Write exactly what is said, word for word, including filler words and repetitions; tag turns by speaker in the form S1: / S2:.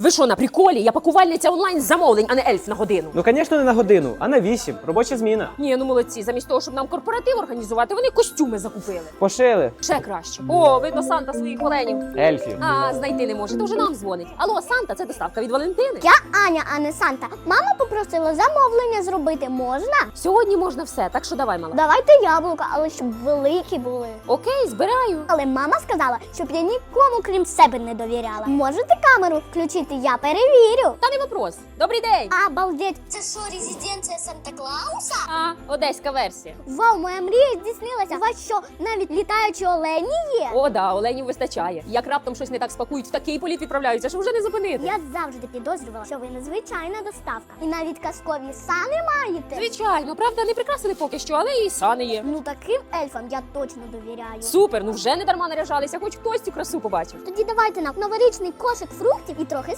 S1: Ви що, на приколі? Я пакувальниця онлайн замовлень, а не ельф на годину.
S2: Ну, звісно, не на годину, а на вісім. Робоча зміна.
S1: Ні, ну молодці, замість того, щоб нам корпоратив організувати, вони костюми закупили.
S2: Пошили.
S1: Ще краще. О, видно, Санта своїх оленів.
S2: Ельфів.
S1: А, знайти не може, то вже нам дзвонить. Алло, Санта, це доставка від Валентини.
S3: Я Аня, а не Санта. Мама попросила замовлення зробити. Можна?
S1: Сьогодні можна все, так що давай, мала.
S3: Давайте яблука, але щоб великі були.
S1: Окей, збираю.
S3: Але мама сказала, щоб я нікому крім себе не довіряла. Можете камеру включити? Я перевірю.
S1: Та не вопрос. Добрий день.
S3: Обалдеть. Це що, резиденція Санта-Клауса?
S1: А, одеська версія.
S3: Вау, моя мрія здійснилася. У вас що, навіть літаючі олені є?
S1: О, да, оленів вистачає. Як раптом щось не так спакують, в такий політ відправляються, що вже не зупинити.
S3: Я завжди підозрювала, що ви незвичайна доставка. І навіть казкові сани маєте.
S1: Звичайно, правда, не прикрасили поки що, але і сани є.
S3: Ну таким ельфам я точно довіряю.
S1: Супер, ну вже не дарма наряжалися, хоч хтось цю красу побачив.
S3: Тоді давайте нам новорічний кошик фруктів і трохи